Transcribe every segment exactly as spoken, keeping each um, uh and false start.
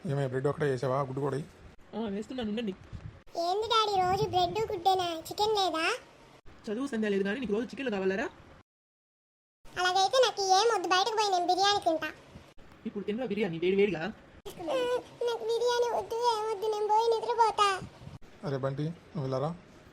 ఏమే బ్రెడ్ ఒకటే వేసావా గుడ్డు కూడా వేస్తున్నాను ఉండండి. ఏంది డాడీ రోజు బ్రెడ్ గుడ్డేనా, చికెన్ లేదా? చదువు సంధ్య లేదు కానీ నీకు రోజు చికెన్లు కావాలరా? అలాగైతే నాకు ఏం వద్దు, బయటకు పోయి నేను బిర్యానీ తింటా. ఇప్పుడు తిన్నా బిర్యానీ వేడి వేడిగా. నాకు బిర్యానీ వద్దు, ఏమొద్దు, నేను పోయి నిద్రపోతా. అరే బంటి నువ్వు వెళ్ళారా?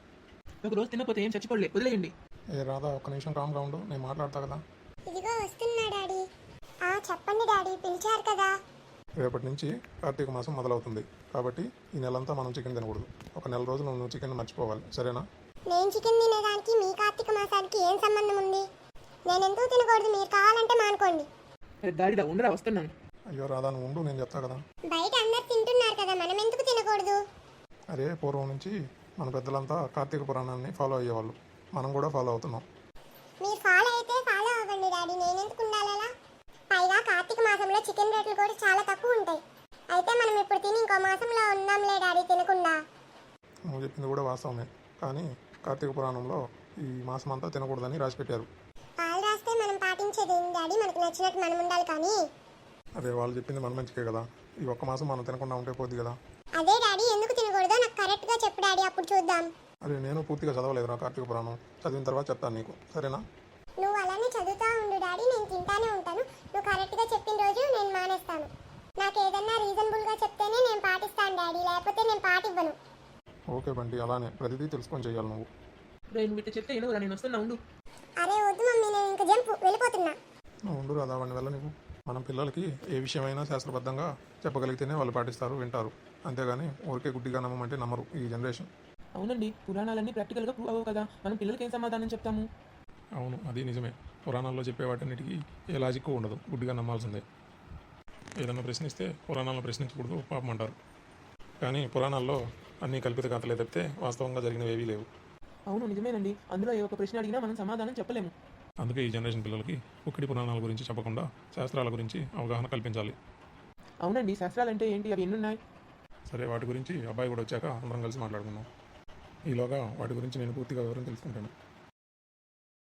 ఒక రోజు తినకపోతే ఏం చచ్చిపోలే, వదిలేయండి. ఏ రాదా ఒక్క నిమిషం కామ్గా ఉండు, నేను మాట్లాడతా కదా. ఇదిగో వస్తున్నా డాడీ. ఆ చెప్పండి డాడీ, పిలిచారు కదా. రేపటి నుంచి కార్తీక మాసం మొదలవుతుంది కాబట్టి ఈ నెలంతా మనం చికెన్ తినకూడదు. ఒక నెల రోజులు నువ్వు చికెన్ మర్చిపోవాలి, సరేనా? నేను చికెన్ తినేదానికి మీ కార్తీక మాసానికి ఏం సంబంధం ఉంది? నేను ఎందుకు తినకూడదు? మీరు కావాలంటే మానుకోండి. దారిదా ఉండరా, వస్తున్నాను. అయ్యో రాదా నువ్వు ఉండు, నేను చెప్తా కదా. బయట అందరు తింటున్నారు కదా, మనం ఎందుకు తినకూడదు? అరే పూర్వం నుంచి మన పెద్దలంతా కార్తీక పురాణాన్ని ఫాలో అయ్యేవాళ్ళు, మనం కూడా ఫాలో అవుతున్నాం. మీరు ఫాలో అయితే ఫాలో అవ్వండి డాడీ, నేను ఎందుకు ఉండాలా? పైగా కార్తీక మాసంలో చికెన్ రేట్లు కూడా చాలా తక్కువ ఉంటాయి. అయితే మనం ఇప్పుడు తిని ఇంకో మాసంలో ఉందాంలే డాడీ తినకుండా. నువ్వు చెప్పింది కూడా వాస్తవమే, కానీ కార్తీక పురాణంలో ఈ మాసం అంతా తినకూడదని రాసి పెట్టారు. వాళ్ళు రాస్తే మనం పాటించేది ఏంటి డాడీ? మనకు నచ్చినట్టు మనం ఉండాలి కానీ. అదే వాళ్ళు చెప్పింది మన మంచికే కదా, ఈ ఒక్క మాసం మనం తినకుండా ఉంటే పోద్ది కదా. అదే డాడీ, ఎందుకు తినకూడదో నాకు కరెక్ట్గా చెప్పు డాడీ, అప్పుడు చూద్దాం. అరే నేను పూర్తిగా చదవలేదురా కార్తీక పురాణం, చదివిన తర్వాత చెప్తాను నీకు, సరేనా? నువ్వు అలానే చదువుతా ఉండు డాడీ, నేను తింటానే ఉంటాను. నువ్వు కరెక్ట్గా చెప్పిన రోజు నేను మానేస్తాను. నాకు ఏదన్నా రీజనబుల్గా చెప్తేనే నేను పాటిస్తాను డాడీ, లేకపోతే నేను పాటివ్వను. ఓకే బంటి, అలానే ప్రతిదీ తెలుసుకొని చేయాలి నువ్వు. నేను వీటి చెప్తే ఏనుగురా, నేను వస్తున్నా ఉండు. అరే వద్దు మమ్మీ, నేను ఇంకా జంపు వెళ్ళిపోతున్నా. నువ్వు ఉండు రాదా వాడిని వెళ్ళ నీకు. మనం పిల్లలకి ఏ విషయమైనా శాస్త్రబద్ధంగా చెప్పగలిగితేనే వాళ్ళు పాటిస్తారు, వింటారు. అంతేగాని ఊరికే గుడ్డిగా నమ్మమంటే నమ్మరు ఈ జనరేషన్. అవునండి, పురాణాలన్నీ ప్రాక్టికల్గా ప్రూవ్ అవ్వవు కదా, మనం పిల్లలకి ఏం సమాధానం చెప్తాము? అవును అది నిజమే, పురాణాల్లో చెప్పే వాటన్నిటికీ ఏ లాజిక్ ఉండదు, గుడ్డిగా నమ్మాల్సిందే. ఏదన్నా ప్రశ్నిస్తే పురాణాలను ప్రశ్నించకూడదు పాపం అంటారు, కానీ పురాణాల్లో అన్నీ కల్పిత కథలే తప్పితే వాస్తవంగా జరిగినవి ఏవీ లేవు. అవును నిజమేనండి, అందులో ఏ ఒక్క ప్రశ్న అడిగినా మనం సమాధానం చెప్పలేము. అందుకే ఈ జనరేషన్ పిల్లలకి ఒక్కటి పురాణాల గురించి చెప్పకుండా శాస్త్రాల గురించి అవగాహన కల్పించాలి. అవునండి, శాస్త్రాలు అంటే ఏంటి, అవి ఎన్నున్నాయి? సరే వాటి గురించి అబ్బాయి కూడా వచ్చాక అందరం కలిసి మాట్లాడుకుందాం. ఈలోగా వాటి గురించి నేను పూర్తిగా వివరం తెలుసుకుంటాను.